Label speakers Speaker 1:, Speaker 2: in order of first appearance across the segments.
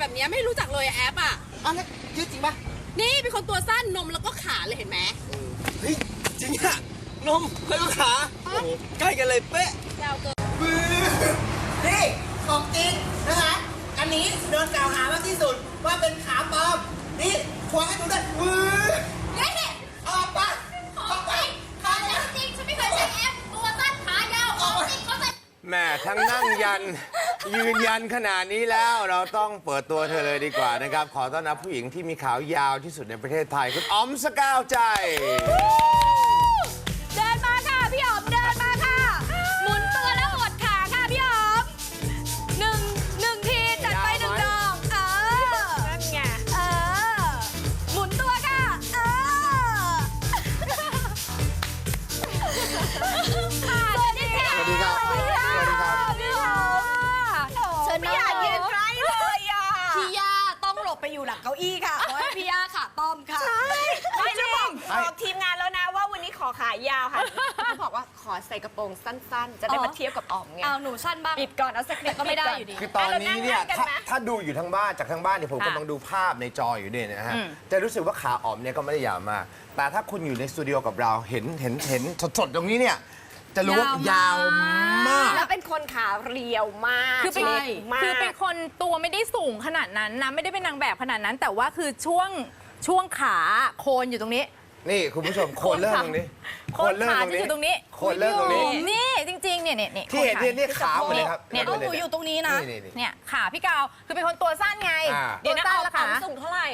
Speaker 1: แบบนี้ไม่รู้จักเลยแอปอ่ะ
Speaker 2: อ้าวแล้วยืดจริงปะ
Speaker 1: นี่เป็นคนตัวสั้นนมแล้วก็ขาเลยเห็นไหม
Speaker 2: เฮ้ยจริงอะนมแล้วก็ขาโอ้โหใกล้กันเลยเป๊ะ
Speaker 1: ยาวเกิน
Speaker 3: นี่ของจริงนะคะ อันนี้โดนกล่าวหามากที่สุดว่าเป็นขาปลอม นี่ควงให้ดูด้วยวื้อ
Speaker 1: เฮ้ย
Speaker 3: ออกไปออกไป
Speaker 1: ขาแล้วจริงฉันไม่เคยใช้แอปตัวสั้นขายาวของจริงเขาใส่
Speaker 4: แม่ทั้งนั่งยัน ยืนยันขนาดนี้แล้วเราต้องเปิดตัวเธอเลยดีกว่านะครับ ขอต้อนรับผู้หญิงที่มีขาวยาวที่สุดในประเทศไทย คุณอ๋อมสกาวใจ
Speaker 1: เดินมาค่ะพี่อ๋อมเดินมาค่ะ หมุนตัวแล้วหดขาค่ะพี่อ๋อมหนึ่งทีจัดไปหนึ่งดอกนั่นไงหมุนตัวค่ะสวัสดีค่ะ
Speaker 4: สวัสดีครับ
Speaker 1: สวัสดีครับพี่อ๋อมเชิญ
Speaker 5: ไม่อยากยืนใกล้เลยอ่ะ
Speaker 1: พี่ย่าต้องหลบไปอยู่หลังเก้าอี้ค่ะเพราะว่าพี่ย่าขาป้อมค่ะ
Speaker 5: ไม่จะบอกทีมงานแล้วนะว่าวันนี้ขอขายาวค่ะเขาบอกว่าขอใส่กระโปรงสั้นๆ จะได้มาเทียบกับออมไง
Speaker 1: เอาหนูสั้นบ้าง
Speaker 5: ปิดก่อนเอาสักนิด
Speaker 1: ก็ไม่ได้อยู่ดี
Speaker 4: คือตอนนี้เนี่ย
Speaker 5: เรานั่งกัน
Speaker 4: ถ้า
Speaker 5: ไหม
Speaker 4: ถ้าดูอยู่ทางบ้านจากทางบ้านเนี่ยผมกำลังดูภาพในจออยู่เนี่ยนะฮะจะรู้สึกว่าขาอ๋อมเนี่ยก็ไม่ได้ยาวมาก แต่ถ้าคุณอยู่ในสตูดิโอกับเราเห็นสดๆตรงนี้เนี่ยจะรู้ว่ายาวมาก
Speaker 5: แล้วเป็นคนขาเรียวมาก
Speaker 6: คือเป็น
Speaker 5: เล็กมาก
Speaker 6: คือเป็นคนตัวไม่ได้สูงขนาดนั้นนะไม่ได้เป็นนางแบบขนาดนั้น แต่ว่าคือช่วงขาโคนอยู่ตรงนี้
Speaker 4: นี่คุณผู้ชมโคนเริ่มตรงนี้
Speaker 6: โคนขาจะอยู่ตรงนี้
Speaker 4: โคนเริ่มตรงนี้
Speaker 6: นี่จริงๆเนี่ย
Speaker 4: ที่เห็นเนี่ยขาหมดเลยครับ
Speaker 6: เนี่ย
Speaker 4: หมด
Speaker 1: หนูอยู่ตรงนี้นะ
Speaker 4: นี่
Speaker 6: เนี่ยขาพี่กาวคือเป็นคนตัวสั้นไง
Speaker 4: อ่า
Speaker 5: เดี๋ยวนะ
Speaker 6: ตั
Speaker 5: อ
Speaker 6: ว
Speaker 5: อม
Speaker 6: สั้นละขา
Speaker 5: สูงเท่าไหร่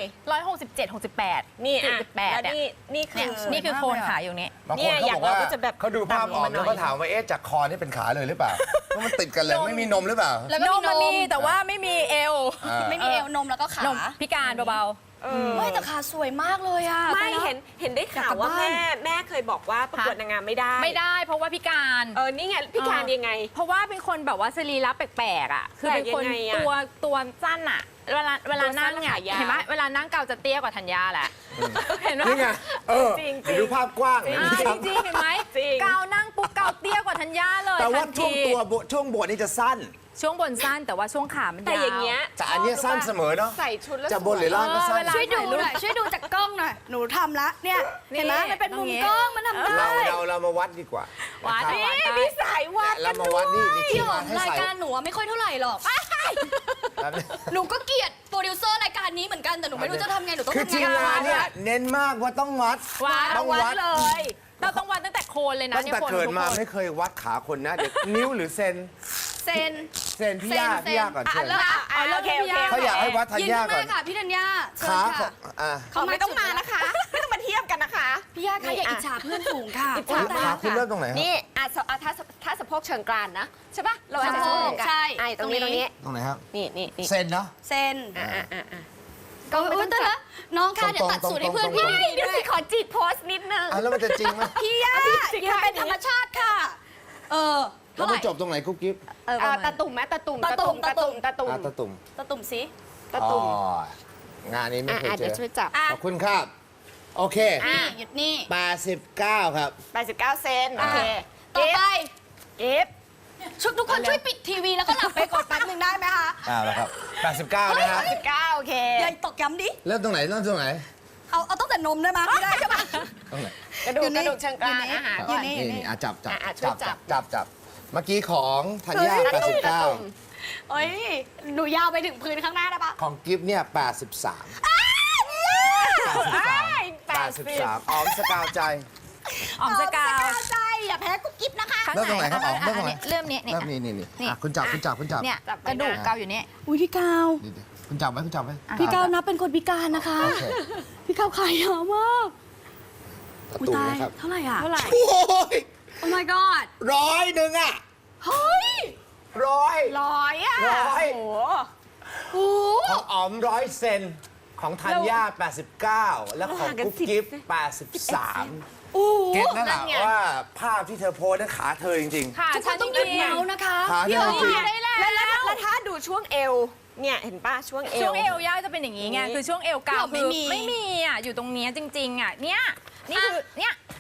Speaker 6: 167
Speaker 5: นี่อ่ะ
Speaker 6: 68
Speaker 5: แล้ว
Speaker 6: เนี่ย
Speaker 5: นี่คือ
Speaker 6: นี่คือโคนขาอยู่นี้
Speaker 4: บางคนเขาบอกว่า
Speaker 5: เนี่ยอย่างเราก็จะแบบ
Speaker 4: เขาดูภาพออก
Speaker 5: ต่ำลงมาหน่
Speaker 4: แล้
Speaker 5: อ
Speaker 4: วย ก็ถามว่าเอ๊ะจากคอนี่เป็นขาเลยหรือเปล่าเพราะมันติดกันเลยไม่มีนมหรือเปล่า
Speaker 1: แล้วก็
Speaker 6: น
Speaker 1: มี
Speaker 6: มมันมีแต่ว่าไม่มีเอว
Speaker 4: อ่า
Speaker 1: ไม่มีเอวนมแล้วก็ขาน
Speaker 6: มพิการเบา
Speaker 1: ไม่แต่ขาสวยมากเลยอ่ะ
Speaker 5: ไม่เห็นได้ข่าวว่า
Speaker 1: อยากกลับบ้าน
Speaker 5: แม่เคยบอกว่าประกวดนางงามไม่ได้
Speaker 6: ๆ ไม่ได้เพราะว่าพิการ
Speaker 5: นี่ไงพิการยังไง
Speaker 6: เพราะว่าเป็นคนแบบว่าสรีระแปลกๆอ่ะ คือเป็นคน
Speaker 5: แปลกยังไงอะ
Speaker 6: ตัวสั้นอ่ะ เวลานั่ง
Speaker 5: ตัวสั้น
Speaker 6: อ่ะ
Speaker 5: ขายาว
Speaker 6: เห็นไหมเวลานั่งเกาจะเตี้ยกว่าธัญญาแหละ เห็นไหม
Speaker 4: นี่ไง
Speaker 5: จริงๆ
Speaker 4: เดี๋ยวดูภาพกว้าง
Speaker 6: จริงๆเห็นไหม
Speaker 5: จริง
Speaker 6: เกานั่งปุ๊บเกาเตี้ยกว่าธัญญาเลย
Speaker 4: แต่ว่า
Speaker 6: ทัน
Speaker 4: ช่วง
Speaker 6: ที
Speaker 4: ช่วงบทนี่จะสั้น
Speaker 6: ช่วงบนสั้นแต่ว่าช่วงขามันยาว
Speaker 5: แต่อย่างเงี้ย
Speaker 4: แต่อันเนี้ยสั้นเสมอเนาะ
Speaker 5: ใส่ชุดแล้ว
Speaker 4: จะบนหรือล่างก็สั้น
Speaker 6: เวลา
Speaker 1: ช่วยดูหน่อยช่วยดูจากกล้องหน่อยหนูทำละเนี่ยเห็นไหมมันเป็นมุมกล้องมันทำได้
Speaker 4: เรามาวัดดีกว่า
Speaker 6: วัด
Speaker 4: นะครับ
Speaker 6: นี่
Speaker 5: มีสายวัด
Speaker 4: เรามาวัดนี่
Speaker 1: พี่
Speaker 4: ที่
Speaker 1: หอ
Speaker 4: วาม ดให้
Speaker 1: ราย
Speaker 4: ใส่
Speaker 1: การหนูอะไม่ค่อยเท่าไหร่หรอก
Speaker 4: แบบนี้
Speaker 1: หนูก็เกลียดโปรดิวเซอร์รายการนี้เหมือนกันแต่หนูไม่รู้จะทำไงหนูต้อง
Speaker 4: คือ
Speaker 1: ทำ
Speaker 4: ทีม
Speaker 1: ไง
Speaker 4: งานเนี่ยเน้นมากว่าต้องวัด ต้อง
Speaker 6: วั
Speaker 4: วั
Speaker 6: ด
Speaker 4: ด
Speaker 6: เลย เราต้องวัดตั้งแต่โคนเลยนะ
Speaker 4: ตั้งแต่
Speaker 6: นี่ยโคน
Speaker 4: เกิดมา
Speaker 6: ทุกคน
Speaker 4: ไม่เคยวัดขาคนนะเดี๋ยวนิ้วหรือเซน
Speaker 1: เซน
Speaker 4: เซนพี่ย่า
Speaker 1: เซน
Speaker 4: พี่ย่าก่อนเชิญ
Speaker 1: เริ่มโอเค
Speaker 4: เขาอยากให้วัดธัญ
Speaker 1: ยืน
Speaker 4: ญา
Speaker 1: ข้างห
Speaker 4: ก่อ
Speaker 1: น้าน ค่ะพี่ธัญญาเชิญ
Speaker 4: ขาขอ
Speaker 1: ค่ะ
Speaker 4: งอ่ะ
Speaker 5: เขาไม่ต้องมานะคะ ไม่ต้องมาเทียบกันนะคะ
Speaker 1: พี่ย่าค่ะอย่าอิจฉาเพื่อนฝูงค่ะ
Speaker 5: อิจฉา
Speaker 4: ขาคุณเริ่มตรงไหนครับ
Speaker 5: นี่ถ้าสะโพกเชิงกรานนะใช่ป่ะเราอาจจะ
Speaker 1: สะโพก
Speaker 5: เชิงกราน
Speaker 1: ใช่
Speaker 5: ตรงนี้
Speaker 1: ตรงนี้
Speaker 4: ตรงไหนครับ
Speaker 5: นี่
Speaker 4: เซนเนาะ
Speaker 1: เซน
Speaker 5: อ่ะ
Speaker 1: ก็อุ้ยแต่ละน้องค่ะเดี๋ยวตัดสูตรให้เพื่อนพี่
Speaker 5: เดี๋ยวสิขอจีบโพสต์นิดนึง
Speaker 4: อ่ะแล้วมันจะจริงไหม
Speaker 1: พี่ย่ายืนเป็นธรรมชาติค่ะ
Speaker 4: แล้ว
Speaker 1: เท่าไห
Speaker 4: มัน
Speaker 1: ร่
Speaker 4: จบตรงไหนกุ๊บกิ๊บ
Speaker 5: ตาตุ่มไหมตาตุ่ม
Speaker 1: ตาตุ่ม
Speaker 4: อ่ะตะตุ่ม
Speaker 1: ตะตุ่มสิ
Speaker 5: ตาตุ่ม
Speaker 4: อ๋องานนี้ไม่เคยเจ
Speaker 5: เดี๋ยว
Speaker 4: อ
Speaker 5: ช่วยจับ
Speaker 4: ขอบคุณครับ โอเค
Speaker 1: นี่หยุดนี่
Speaker 4: 89 ครับ
Speaker 5: 89 เซนโอเค
Speaker 1: ต่อไป
Speaker 5: เก็บ
Speaker 1: ชุดทุกคนช่วยปิดทีวีแล้วก็หลับไปก่อนแป๊บนึงได้ไหมคะ
Speaker 4: แล้วครับ 89 นะครับ
Speaker 5: 89โอเค
Speaker 1: อย่าตอกย้ำดิ
Speaker 4: เริ่มตรงไหน เริ่มตรงไหน
Speaker 1: เอาตั้งแต่นมได้ไหมไม่ได้ใช่ปะ
Speaker 4: ตรงไหน
Speaker 5: กระดูกเชิงกรานอาหาร
Speaker 1: อยู่นี่
Speaker 4: นี่อ่ะจับ
Speaker 5: ช่วยจับ
Speaker 4: เมื่อกี้ของธัญญา
Speaker 5: ตาตุ่ม
Speaker 4: 89
Speaker 1: เอ้ยหนูยาวไปถึงพื้นข้างหน้าได้ปะ
Speaker 4: ของกิฟเนี่ย83อ๋อมสกาวใจ
Speaker 6: อ๋อมสกาว
Speaker 1: ใจอย่าแพ้กุ๊กกิ๊บนะคะ
Speaker 4: เริ่มตรงไหนครับอ๋อมเริ่มตรงไหน
Speaker 6: เริ่มนี้เนี่ย
Speaker 4: เริ่มนี่อ่ะคุณจับ
Speaker 6: เนี่ยกระดูกเกาอยู่นี่
Speaker 1: อุ้ยพี่กาว
Speaker 4: นี่คุณจับไว้
Speaker 1: พี่กาวนับเป็นคนพิการนะคะ
Speaker 4: โอเค
Speaker 1: พี่กาวขายเยอะมาก
Speaker 4: ประ
Speaker 1: อุ้ย
Speaker 4: ตู
Speaker 1: ตาย
Speaker 4: นะครับ
Speaker 1: เท่าไหร่อ่ะ
Speaker 6: เท่าไหร่
Speaker 4: โอ้ย
Speaker 1: Oh my god
Speaker 4: 100อ่ะ
Speaker 1: เฮ้ย
Speaker 4: 100
Speaker 5: ร้อยอ่ะ
Speaker 4: ร้อย
Speaker 5: โอ้โห
Speaker 1: โอ้
Speaker 4: ของอ๋อม100 เซนของธัญญา89 แล้วของกุ๊บกิ๊บ83
Speaker 1: โอ้
Speaker 4: เก็ตนั่นแหละ
Speaker 5: นั่นไง
Speaker 4: ว่าภาพที่เธอโพสนั้นขาเธอจริง
Speaker 6: ค่ะ
Speaker 1: ทุกค
Speaker 6: ฉั
Speaker 1: น
Speaker 6: น
Speaker 1: ต้อง
Speaker 6: จ
Speaker 1: หยุด
Speaker 6: ริง
Speaker 1: เมาส์นะคะ
Speaker 4: ขา
Speaker 1: พี่
Speaker 4: เดิน
Speaker 1: อ๋อ
Speaker 4: จริง
Speaker 6: ได้แล้ว
Speaker 5: แล้วถ้าดูช่วงเอว เนี่ยเห็นป่ะช่วงเอว
Speaker 6: ช่วงเอวย่าจะเป็นอย่างนี้ไงคือช่วงเอวเกา
Speaker 1: ไม่
Speaker 6: คือ
Speaker 1: มี
Speaker 6: ไม่มีอ่ะอยู่ตรงเนี้ยจริงๆอ่ะเนี่ยนี่คือเนี่ย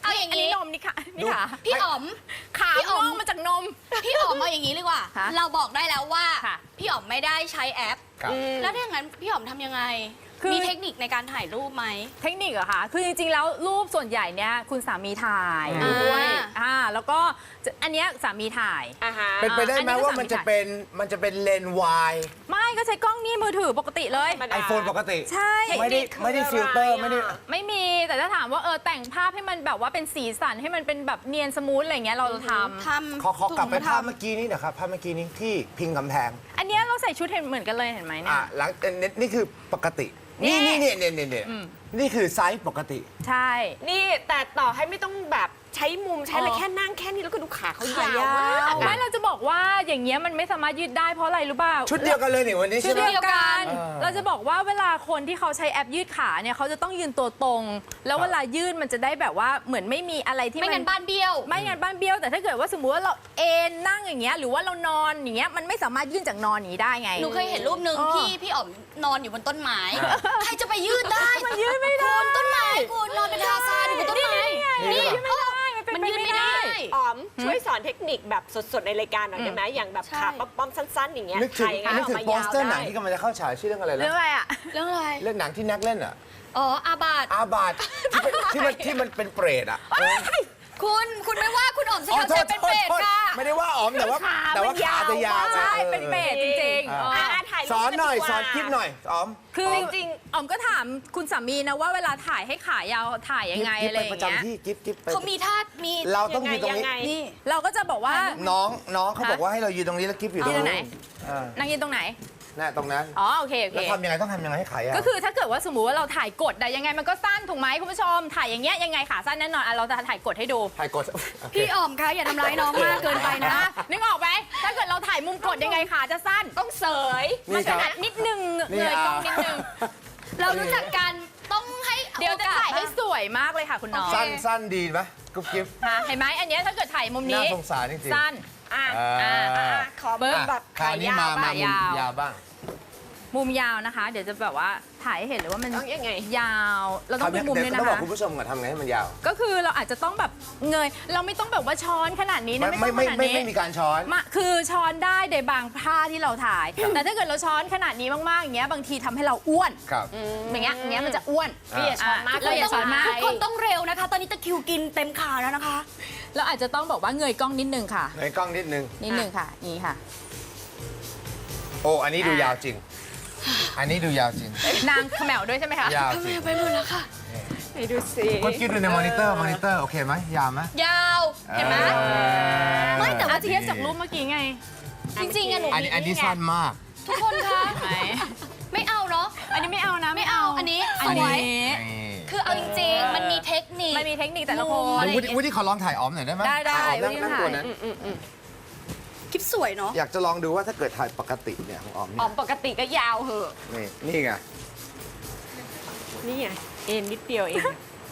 Speaker 1: เอาอย่าง
Speaker 6: อันนี้
Speaker 1: นี้
Speaker 6: นมนี่ค่ะนี่ค่ะ
Speaker 1: พี่อ๋อม
Speaker 6: ขา
Speaker 1: พี่อ๋อม
Speaker 6: งอกมาจากนม
Speaker 1: พี่อ๋อมเอาอย่างนี้ดีกว่า
Speaker 6: ฮะ
Speaker 1: เราบอกได้แล้วว่า
Speaker 6: ค่ะ
Speaker 1: พี่อ๋อมไม่ได้ใช้แอป
Speaker 4: ครับ
Speaker 1: แล้วถ้าอย่างนั้นพี่อ๋อมทำยังไง
Speaker 6: คือ
Speaker 1: มีเทคนิคในการถ่ายรูปไหม
Speaker 6: เทคนิคเหรอคะคือจริงๆแล้วรูปส่วนใหญ่เนี่ยคุณสามีถ่าย
Speaker 1: อ่า
Speaker 6: ด้วยแล้วก็อันเนี้ยสามีถ่าย
Speaker 5: อ่าฮะ
Speaker 4: เป็นไปได้ไหม
Speaker 6: อันนี้ก็
Speaker 4: ว่า
Speaker 6: สามี
Speaker 4: มันจะ
Speaker 6: ถ่าย
Speaker 4: เป็นเลนส์วาย
Speaker 6: ไม่ก็ใช้กล้องนี่มือถือปกติเลย
Speaker 5: ธรรมดา
Speaker 4: ไอโฟนปกติ
Speaker 6: ใช่
Speaker 4: ไม่ได้ฟิลเตอร์ไม่ได้
Speaker 6: ไม่มีแต่ถ้าถามว่าแต่งภาพให้มันแบบว่าเป็นสีสันให้มันเป็นแบบเนียนสมูทอะไรเงี้ยเราทำ
Speaker 1: ทำ
Speaker 4: ขอกลับไป
Speaker 1: ถุง
Speaker 4: ภาพ
Speaker 1: ทำ
Speaker 4: เมื่อกี้นี้นะครับภาพเมื่อกี้นี้ที่พิงกำแพง
Speaker 6: อันเนี้ยเราใส่ชุดเห็นเหมือนกันเลยเห็นไหมเนี่ย
Speaker 4: หลังนี่คือปกติ นี่นี่คือไซส์ปกติ
Speaker 6: ใช่
Speaker 5: นี่แต่ต่อให้ไม่ต้องแบบใช้มุมใช้อะไร
Speaker 6: อ๋อ
Speaker 5: แค่นั่งแค่นี้แล้วก็ดูขาเขา
Speaker 1: ขาย
Speaker 5: ยาวมาก
Speaker 6: ไม่เราจะบอกว่าอย่างเงี้ยมันไม่สามารถยืดได้เพราะอะไรรู้เปล่า
Speaker 4: ชุดเดียวกันเลยนี่วันนี้
Speaker 6: ชุ
Speaker 4: ใช่
Speaker 6: ด
Speaker 4: ไหม
Speaker 6: เดียวกัน
Speaker 4: เออ
Speaker 6: เราจะบอกว่าเวลาคนที่เขาใช้แอปยืดขาเนี่ยเขาจะต้องยืนตัวตรง แล้วเวลายืดมันจะได้แบบว่าเหมือนไม่มีอะไรที่
Speaker 1: ไม่
Speaker 6: มั
Speaker 1: งั้นบ้านเบี้ยว
Speaker 6: ไม่งั้นบ้านเบี้ยวแต่ถ้าเกิดว่าสมมุติว่าเราเอนนั่งอย่างเงี้ยหรือว่าเรานอนอย่างเงี้ยมันไม่สามารถยื่นจากนอนอย่างนี้ได้ไง
Speaker 1: หนูเคยเห็นรูปหนึ่ง
Speaker 6: อ๋อ
Speaker 1: พี่อ๋อมนอนอยู่บนต้นไม้ ใครจะไปยืดได้
Speaker 6: มันยืดไม่ได้
Speaker 1: คุณต้นไม้คุณนอนเป็นทาซานอยู่บนต้นไม้
Speaker 6: นี่ยืดไม่ได้มันเป็น
Speaker 1: มันยืด
Speaker 6: ไป
Speaker 1: ไม่
Speaker 6: ไม่
Speaker 1: ได้
Speaker 6: ได้
Speaker 5: อ๋อมช่วยสอนเทคนิคแบบสดๆในรายการหน่อยได้ไหมอย่างแบบ
Speaker 1: ใช่
Speaker 5: ขาป้อมๆสั้นๆอย่างเงี้ย
Speaker 4: นึกถึง
Speaker 5: ถ่ายยังไง
Speaker 4: นึก
Speaker 5: ออ
Speaker 4: ถึ
Speaker 5: ก
Speaker 4: ง
Speaker 5: มา
Speaker 4: โป
Speaker 5: ยา
Speaker 4: ส
Speaker 5: ว
Speaker 4: เตอร์หนั
Speaker 5: ได้
Speaker 4: งที่กำลังจะเข้าฉายชื่อเรื่องอะไร
Speaker 6: เรื่อ
Speaker 4: นะ
Speaker 6: งอะไรอ่ะ
Speaker 1: เรื่องอะไร
Speaker 4: เรื่องหนังที่แน็กเล่นอ่ะ
Speaker 1: อ๋ออาบาด
Speaker 4: อาบาดที่มันเป็นเปรตอ่ะ
Speaker 1: คุณไม่ว่าคุณอ๋อมส
Speaker 4: อ๋อย
Speaker 1: าม
Speaker 4: โท
Speaker 1: ใจ
Speaker 4: ษ
Speaker 1: เป็น
Speaker 4: โท
Speaker 1: เปร
Speaker 4: ษ
Speaker 1: ต
Speaker 4: โทษ
Speaker 1: ค่ะ
Speaker 4: ไม่ได้ว่าอ๋อมแต่ว่าขาจะยาว
Speaker 6: ใช่เป็นเปรตจริงๆ
Speaker 5: ถ่ายรูป
Speaker 4: สอนหน่อย
Speaker 5: กัดีกว่า
Speaker 4: สอนคลิปหน่อยอ๋อม
Speaker 6: คือ
Speaker 5: จริง
Speaker 6: อ๋อมก็ถามคุณสามีนะว่าเวลาถ่ายให้ขายาวถ่ายยังไง
Speaker 4: กิ๊บ
Speaker 6: อะไร
Speaker 4: ไป
Speaker 6: อย่า
Speaker 4: ประ
Speaker 6: งเงี้ย
Speaker 4: จำที่กิ๊บไป
Speaker 1: เขามีท่ามี
Speaker 4: เราต้องยืนตรงนี้
Speaker 5: ยังไง
Speaker 1: นี่
Speaker 6: เราก็จะบอกว่า
Speaker 4: น้องเขาบอกว่าให้เรายืนตรงนี้แล้วกิ๊บอยู่ตรง
Speaker 6: ยืนตรงไหน
Speaker 4: นู้นอ่า
Speaker 6: นั่งยืนตรงไหน
Speaker 4: น่ะตรงนั้น
Speaker 6: อ๋อโอเคโอเค
Speaker 4: แล้วทำยังไงต้องทำยังไงให้ขายาว
Speaker 6: ก็คือถ้าเกิดว่าสมมุติว่าเราถ่ายกดได้ยังไงมันก็สั้นถูกไหมคุณผู้ชม ถ่ายอย่างเงี้ยยังไงขาสั้นแน่นอนอ่ะเราจะถ่ายกดให้ดู
Speaker 4: ถ่ายกดโอเค
Speaker 1: พี่อ๋อมคะอย่าทำร้ายน้องมากเกินไปนะ
Speaker 6: นะนึกออกไหมถ้าเกิดเราถ่ายมุมกดยังไงขาจะสั้น
Speaker 5: ต้องเสย
Speaker 6: มัน
Speaker 4: ค
Speaker 6: ข
Speaker 4: รับ
Speaker 6: นาดนิดนึง
Speaker 4: นี่
Speaker 6: เลยกล้องนิดนึง
Speaker 1: เรารู้จักกันต้องให้
Speaker 6: เดี๋ยวจะถ่ายให้สวยมากเลยค่ะคุณน้อง
Speaker 4: สั้นดีไหมกุ๊บกิ๊บ
Speaker 6: ฮะเห็นไหมอันเนี้ยถ้าเกิดถ่ายมุมนี้
Speaker 4: น่าสงสารจริงๆ
Speaker 6: สั้น
Speaker 5: อ่ะ
Speaker 4: อ่า
Speaker 5: ขอเบิ้งแบบ
Speaker 4: คราวนี้มามุม
Speaker 6: ยาว
Speaker 4: ยาวบ้าง
Speaker 6: มุมยาวนะคะ เดี๋ยวจะแบบว่าถ่ายให้เห็นเลยว่ามัน
Speaker 5: ต้องยังไง
Speaker 6: ยาว เราต้องดูมุมด้วย
Speaker 4: เดี๋
Speaker 6: นะ
Speaker 4: ยวต้องบอก
Speaker 6: คะ
Speaker 4: คุณผู้ชมก่อนทำไงให้มันยาว
Speaker 6: ก็คือเราอาจจะต้องแบบเงย เราไม่ต้องแบบว่าช้อนขนาดนี้นะไม่ต้องขนาดนี้
Speaker 4: ไม่มีการช้อน
Speaker 6: คือช้อนได้ในบางผ้าที่เราถ่าย แต่ถ้าเกิดเราช้อนขนาดนี้มากๆอย่างเงี้ยบางทีทำให้เราอ้วน
Speaker 4: ครับ
Speaker 6: อย่างเงี้ยมันจะอ้วน
Speaker 5: พี่อย่าช้อนมาก
Speaker 6: เราอย่าช้อนมาก
Speaker 1: ทุกคนต้องเร็วนะคะ ตอนนี้ตะคริวกินเต็มขาแล้วนะคะ
Speaker 6: เราอาจจะต้องบอกว่าเงยกล้องนิดนึงค่ะ
Speaker 4: ในกล้องนิดนึง
Speaker 6: นิดนึงค่ะนี่ค่ะ
Speaker 4: โอ้ อันนี้ดูยาวจริง อันนี้ดูยาวจริง
Speaker 6: นางเขมวด้วยใช่ไหมคะ
Speaker 4: ยาวจริง
Speaker 1: ไปหมดแล้วค่ะ
Speaker 5: ไหนดูสิ
Speaker 4: คุณคิดดูในมอนิเตอร์ โอเคไหมยาวไหม
Speaker 1: ยาว เห็นไหม ไม่แต่ว่า
Speaker 6: เทียบจากรูปเมื่อกี้ไง
Speaker 1: จริงๆอะหนู
Speaker 4: อันนี้สั้นมาก
Speaker 1: ทุกคนคะ
Speaker 6: ไหน
Speaker 1: ไม่เอาเนาะ
Speaker 6: อันนี้ไม่เอานะ
Speaker 1: ไม่เอา อันนี้
Speaker 6: อัน
Speaker 1: สวย
Speaker 6: นี้
Speaker 1: คือเอาจริงๆ มันมีเทคนิค
Speaker 6: มันมีเทคนิคแต่ละคน
Speaker 4: วุฒิขอลองถ่ายอ๋อมหน่อยได้ไหม
Speaker 6: ได้
Speaker 4: อ๋อม
Speaker 6: วุฒิ
Speaker 4: นั่ง
Speaker 6: ถ่าย
Speaker 4: ตัวนั้น
Speaker 1: คลิปสวยเนาะ
Speaker 4: อยากจะลองดูว่าถ้าเกิดถ่ายปกติเนี่ยของอ๋อม
Speaker 5: อ๋
Speaker 4: เนี่
Speaker 5: อย มปกติก็ยาวเหอะ
Speaker 4: นี่ไง
Speaker 5: นี่ไงเอ็นนิดเดียวเอง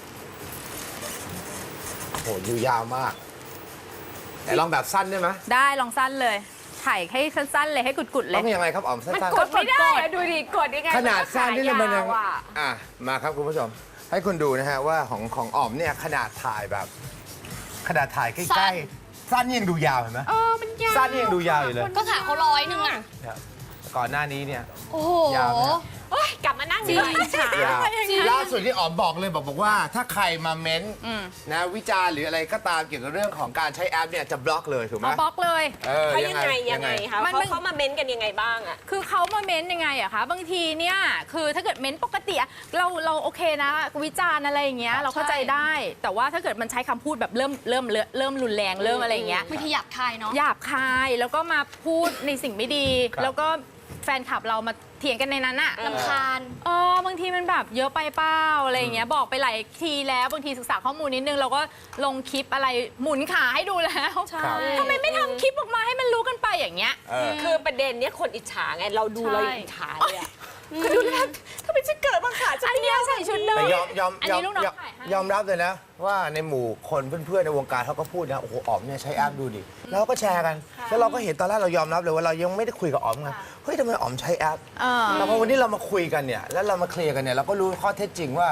Speaker 4: โอ้โหอยู่ยาวมากแต่ลองแบบสั้นได้ไหม
Speaker 6: ได้ลองสั้นเลย ถ่ายให้สั้นๆเลยให้กุดๆเล
Speaker 4: ต้
Speaker 6: ย
Speaker 4: องยังไงครับอ๋อมสั้
Speaker 5: มัน
Speaker 4: น
Speaker 5: กดไม่ได้อะดูดิกดยังไง
Speaker 4: ๆขนาดสั้นนี่เลยมันยัง
Speaker 5: ขายาวอะ
Speaker 4: อ่ะมาครับคุณผู้ชม ให้คุณดูนะฮะว่าของอ๋อมเนี่ยขนาดถ่ายแบบ ขนาดถ่ายใก
Speaker 1: สั้
Speaker 4: ล้
Speaker 1: น
Speaker 4: ๆสั้นยังดูยาวเห็นไหม
Speaker 5: มันยาว
Speaker 4: สั้นยังดูยาวอยู่เลย
Speaker 1: ก็ขาเขา100นึงอ่ะ
Speaker 4: ครับก่อนหน้านี้เนี่ย
Speaker 1: โอ้โห
Speaker 4: ยาวนะ
Speaker 5: โอ๊ยกลับมานั่งดีกว่าอิจฉาย
Speaker 4: าวล่าสุดที่อ๋อมบอกเลยบอกว่าถ้าใครมาเม้นต์นะวิจารณ์หรืออะไรก็ตามเกี่ยวกับเรื่องของการใช้แอปเนี่ยจะบล็อกเลยถูกไหม
Speaker 6: เอาบล็อกเลย
Speaker 5: เขายังไงคะ
Speaker 6: มัน
Speaker 5: เขามาเม้นกันยังไงบ้างอะ
Speaker 6: คือเขามาเม้นยังไงอะคะบางทีเนี่ยคือถ้าเกิดเม้นปกติอะเราโอเคนะวิจารณ์อะไรอย่างเงี้ยเราเข้าใจได้ แต่ว่าถ้าเกิดมันใช้คำพูดแบบเริ่มรุนแรงเริ่มอะไรอย่างเงี้ย
Speaker 1: บางทีหยาบคายเนาะ
Speaker 6: หยาบคายแล้วก็มาพูดในสิ่งไม่ดี
Speaker 4: ครับ
Speaker 6: แล้วก็แฟนคลับเรามาเถียงกันในนั้นอะ
Speaker 1: ลำคาญ
Speaker 6: บางทีมันแบบเยอะไปเปล่าอะไรอย่างเงี้ยบอกไปหลายทีแล้วบางทีศึกษาข้อมูลนิดนึงเราก็ลงคลิปอะไรหมุนขาให้ดูแล้ว
Speaker 1: ใช่
Speaker 6: ทำไมไม่ทำคลิปออกมาให้มันรู้กันไปอย่างเงี้ย
Speaker 5: คือประเด็นเนี้ยคนอิจฉาไงเราดู
Speaker 6: ใช่
Speaker 5: เรายังอิจฉาเลยอะคือดูแล้วถ้าเป็นฉันเกิดมาขาจะ
Speaker 6: อันเนี้ยใส่ชุดเดิ
Speaker 4: แต่
Speaker 6: ม
Speaker 4: ยอม
Speaker 6: อันนี้ลูกน้องถ่ายให้
Speaker 4: ยอมรับเลยนะ ว่าในหมู่คนเพื่อนๆในวงการเขาก็พูดนะโอ้โหอ๋อมเนี่ยใช้แอปดูดิแล้วเราก็แชร์กัน แล้วเราก็เห็นตอนแรกเรายอมรับเลยว่าเรายังไม่ได้คุยกับอ๋อมกันเฮ้ยทำไมอ๋อมใช้แอป
Speaker 6: เออ
Speaker 4: แต่พอวันนี้เรามาคุยกันเนี่ยแล้วเรามาเคลียร์กันเนี่ยเราก็รู้ข้อเท็จจริงว่า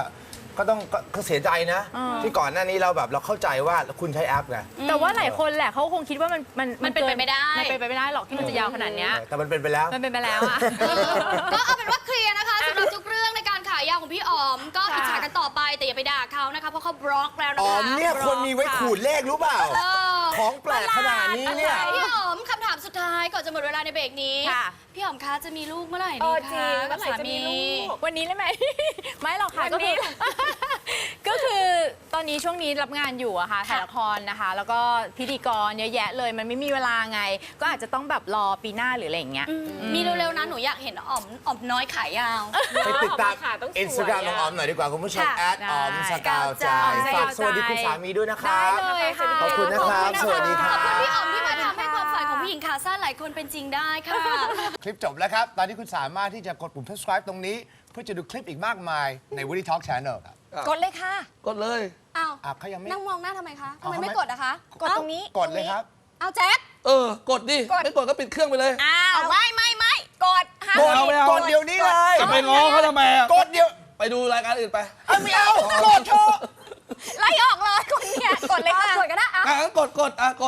Speaker 4: ก็เสียใจนะ ที่ก่อนหน้านี้เราเข้าใจว่าคุณใช้แอปไง
Speaker 6: แต่ว่าหลายคนแหละเขาคงคิดว่ามัน
Speaker 1: เป็นไปไม่ได้
Speaker 6: มันเป็นไปไม่ได้หรอกที่มันจะยาวขนาดเนี้ย
Speaker 4: แต่มันเป็นไปแล้ว
Speaker 6: มันเป็นไปแล้วอะ
Speaker 1: ก็เอาเป็นว่าเคลียร์นะคะสำหรับทุกเรื่องในการขายยาวของพี่อ๋อม ก็อิจฉากันต่อไปแต่อย่าไปด่าเขานะคะเพราะเขาบล็อกแล้วนะคะ
Speaker 4: อ๋อมเนี่ยคนมีไว้ขูดเลขรู้เปล่า ของแปลกขนาดนี้เนี่ย
Speaker 1: พี่อ๋อมคำถามสุดท้ายก่อนจะหมดเวลาในเบรกนี้
Speaker 5: ค่ะ
Speaker 1: พี่อ๋อมคะจะมีลูกเมื่อไหร่
Speaker 5: เอ
Speaker 1: ดี
Speaker 5: อจริ
Speaker 1: คะ
Speaker 5: งเมื่อไหร่จะมีลูก
Speaker 6: วันนี้ได้ไหม ไม่หรอกค่ะ
Speaker 5: วัน
Speaker 6: ก็
Speaker 5: นี้
Speaker 6: คือ ก็คือตอนนี้ช่วงนี้รับงานอยู่อะค่ะถ่ายละครนะคะ แล้วก็พิธีกรเยอะแยะเลยมันไม่มีเวลาไง ก็อาจจะต้องแบบรอปีหน้าหรืออะไรอย่างเงี้ย
Speaker 1: มีเร็วๆนะหนูอยากเห็นอ๋อมน้อยขายยาว
Speaker 4: ไปติดตาม
Speaker 5: ค่ะต้องสวย
Speaker 4: อินสตาแกรมของออมหน่อยดีกว่าคุณผู้ชม
Speaker 1: ค่ะ
Speaker 4: ออมสกาวใจ
Speaker 6: ได้
Speaker 4: ฝากสวัสดีคุณสามีด้วยนะค
Speaker 6: ได้
Speaker 4: รับ
Speaker 6: เลยค่ะ
Speaker 4: ขอบคุณนะครับ สวัสดีค
Speaker 1: ข
Speaker 4: รั
Speaker 1: อบคุณ
Speaker 4: บ
Speaker 1: พี่อ๋อมที่มาทำให้ความฝันของผู้หญิงขาสั้นหลายคนเป็นจริงได้ค่ะ
Speaker 4: คลิปจบแล้วครับ ตอนนี้คุณสามารถที่จะกดปุ่ม subscribe ตรงนี้ เพื่อจะดูคลิปอีกมากมายใน Woody Talk Channel ครับ
Speaker 5: กดเลยค่ะ
Speaker 2: กดเลย
Speaker 1: อ้าว
Speaker 4: เขายังไม่
Speaker 1: นั่งมองหน้าทำไมคะทำไม
Speaker 4: เอา
Speaker 1: ไม่
Speaker 4: ทำไม
Speaker 1: กดอะคะ
Speaker 5: กดตรงนี้
Speaker 4: กดเลยครับ
Speaker 1: เอาแจ็ค
Speaker 2: กดดิ ไม่กดก็ปิดเครื่องไปเลย
Speaker 5: อ้าวไม่กดห้าม
Speaker 4: กด
Speaker 2: เอาไม่เอา
Speaker 4: กดเดี๋ยวนี้เลย
Speaker 2: จะไปง้อเขาทำไมอ่ะ
Speaker 4: กดเดี๋ยว
Speaker 2: ไปดูรายการอื่นไป
Speaker 4: ไม่เอา กดเถอะ
Speaker 5: ไล่ออกเลยคนเนี้ยกดเลยค่ะ
Speaker 1: กดก็ได้อะ
Speaker 2: งั้นกด